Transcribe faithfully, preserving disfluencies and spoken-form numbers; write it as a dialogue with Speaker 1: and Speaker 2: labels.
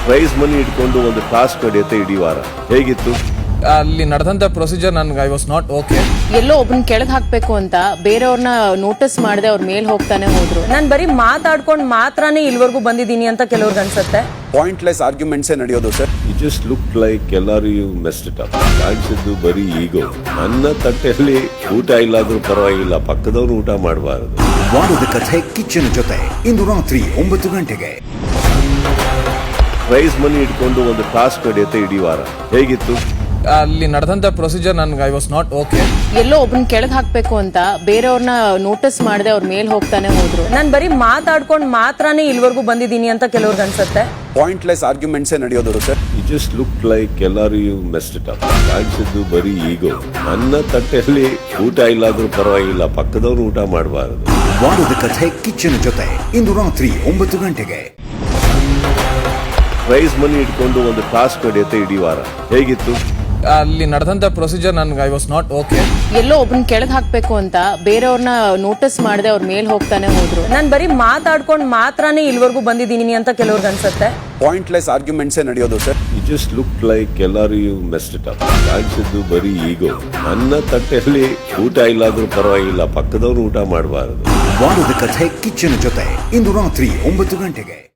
Speaker 1: Prize money ಇಟ್ಕೊಂಡು ಒಂದು task ನಡೆಯುತ್ತೆ ಇಡೀ ವಾರ. ಹೇಗಿತ್ತು
Speaker 2: ಅಲ್ಲಿ ನಡೆದಂತ ಪ್ರೊಸೀಜರ್ ನನ್ಗೆ ಐ ವಾಸ್ ನಾಟ್ ಓಕೆ.
Speaker 3: ಎಲ್ಲೋ ಒಬ್ಬನ ಕೆಳಗ್ ಹಾಕ್ಬೇಕು ಅಂತ ಬೇರೆಯವ್ರನ್ನ ನೋಟಿಸ್ ಮಾಡದೆ ಅವ್ರ ಮೇಲ್ ಹೋಗ್ತಾನೆ ಹೋದ್ರು.
Speaker 4: ನಾನ್ ಬರೀ ಮಾತಾಡ್ಕೊಂಡ್ ಮಾತ್ರನೇ ಇಲ್ವರೆಗೂ ಬಂದಿದ್ದೀನಿ ಅಂತ ಕೆಲವ್ರಿಗೆ ಅನ್ಸುತ್ತೆ.
Speaker 5: ಪಾಯಿಂಟ್ಲೆಸ್ ಆರ್ಗ್ಯುಮೆಂಟ್ಸ್ ನಡೆಯೋದು sir.
Speaker 1: You just look like ಎಲ್ಲರೂ ಯು ಮೆಸ್ಡ್ ಇಟ್ ಅಪ್. ಕಾಣಿಸಿದ್ದು ಬರೀ ಈಗೋ. ನನ್ನ ತಟ್ಟೆಯಲ್ಲಿ ಊಟ ಇಲ್ಲಾದ್ರೂ ಪರವಾಗಿಲ್ಲ, ಪಕ್ಕದವ್ರು ಊಟ ಮಾಡಬಾರದು.
Speaker 6: ವಾರದ ಕಥೆ ಕಿಚ್ಚನ ಜೊತೆ ಇಂದು ರಾತ್ರಿ ಒಂಬತ್ತು ಗಂಟೆಗೆ.
Speaker 1: ಪ್ರೈಸ್ ಮನಿ ಇಟ್ಕೊಂಡು ಒಂದು ಟಾಸ್ಕ್ ನಡೆಯುತ್ತೆ ಇಡೀ ವಾರ. ಹೇಗಿತ್ತು
Speaker 2: ಅಲ್ಲಿ ನಡೆದಂತ ಪ್ರೊಸೀಜರ್ ನನ್ಗೆ ಐ ವಾಸ್ ನಾಟ್ ಓಕೆ.
Speaker 3: ಎಲ್ಲೋ ಒಬ್ಬನ ಕೆಳಗ್ ಹಾಕ್ಬೇಕು ಅಂತ ಬೇರೆಯವ್ರನ್ನ ನೋಟಿಸ್ ಮಾಡದೆ ಅವ್ರ ಮೇಲ್ ಹೋಗ್ತಾನೆ ಹೋದ್ರು.
Speaker 4: ನಾನ್ ಬರೀ ಮಾತಾಡ್ಕೊಂಡ್ ಮಾತ್ರನೇ ಇಲ್ವರೆಗೂ ಬಂದಿದ್ದೀನಿ ಅಂತ ಕೆಲವ್ರಿಗೆ ಅನ್ಸುತ್ತೆ.
Speaker 5: ಪಾಯಿಂಟ್ಲೆಸ್ ಆರ್ಗ್ಯುಮೆಂಟ್ಸ್ ನಡೆಯೋದು sir.
Speaker 1: You just look like ಎಲ್ಲರೂ ಯು ಮೆಸ್ಡ್ ಇಟ್ ಅಪ್. ಕಾಣಿಸಿದ್ದು ಬರೀ ಈಗೋ. ನನ್ನ ತಟ್ಟೆಯಲ್ಲಿ ಊಟ ಇಲ್ಲಾದ್ರೂ ಪರವಾಗಿಲ್ಲ, ಪಕ್ಕದವ್ರು ಊಟ ಮಾಡಬಾರದು.
Speaker 6: ವಾರದ ಕಥೆ ಕಿಚ್ಚನ ಜೊತೆ ಇಂದು ರಾತ್ರಿ ಒಂಬತ್ತು ಗಂಟೆಗೆ.
Speaker 1: ಪ್ರೈಸ್ ಮನಿ ಇಟ್ಕೊಂಡು ಒಂದು ಟಾಸ್ಕ್ ನಡೆಯುತ್ತೆ ಇಡೀ ವಾರ. ಹೇಗಿತ್ತು
Speaker 2: ಅಲ್ಲಿ ನಡೆದಂತ ಪ್ರೊಸೀಜರ್ ನನ್ಗೆ ಐ ವಾಸ್ ನಾಟ್ ಓಕೆ.
Speaker 3: ಎಲ್ಲೋ ಒಬ್ಬನ ಕೆಳಗ್ ಹಾಕ್ಬೇಕು ಅಂತ ಬೇರೆಯವ್ರನ್ನ ನೋಟಿಸ್ ಮಾಡದೆ ಅವ್ರ ಮೇಲ್ ಹೋಗ್ತಾನೆ ಹೋದ್ರು.
Speaker 4: ನಾನ್ ಬರೀ ಮಾತಾಡ್ಕೊಂಡ್ ಮಾತ್ರನೇ ಇಲ್ವರೆಗೂ ಬಂದಿದ್ದೀನಿ ಅಂತ ಕೆಲವ್ರಿಗೆ ಅನ್ಸುತ್ತೆ.
Speaker 5: ಪಾಯಿಂಟ್ಲೆಸ್ ಆರ್ಗ್ಯುಮೆಂಟ್ಸ್ ನಡೆಯೋದು sir.
Speaker 1: You just look like ಎಲ್ಲರೂ ಯು ಮೆಸ್ಡ್ ಇಟ್ ಅಪ್. ಕಾಣಿಸಿದ್ದು ಬರೀ ಈಗೋ. ನನ್ನ ತಟ್ಟೆಯಲ್ಲಿ ಊಟ ಇಲ್ಲಾದ್ರೂ ಪರವಾಗಿಲ್ಲ, ಪಕ್ಕದವ್ರು ಊಟ ಮಾಡಬಾರದು.
Speaker 6: ವಾರದ ಕಥೆ ಕಿಚ್ಚನ ಜೊತೆ ಇಂದು ರಾತ್ರಿ ಒಂಬತ್ತು ಗಂಟೆಗೆ.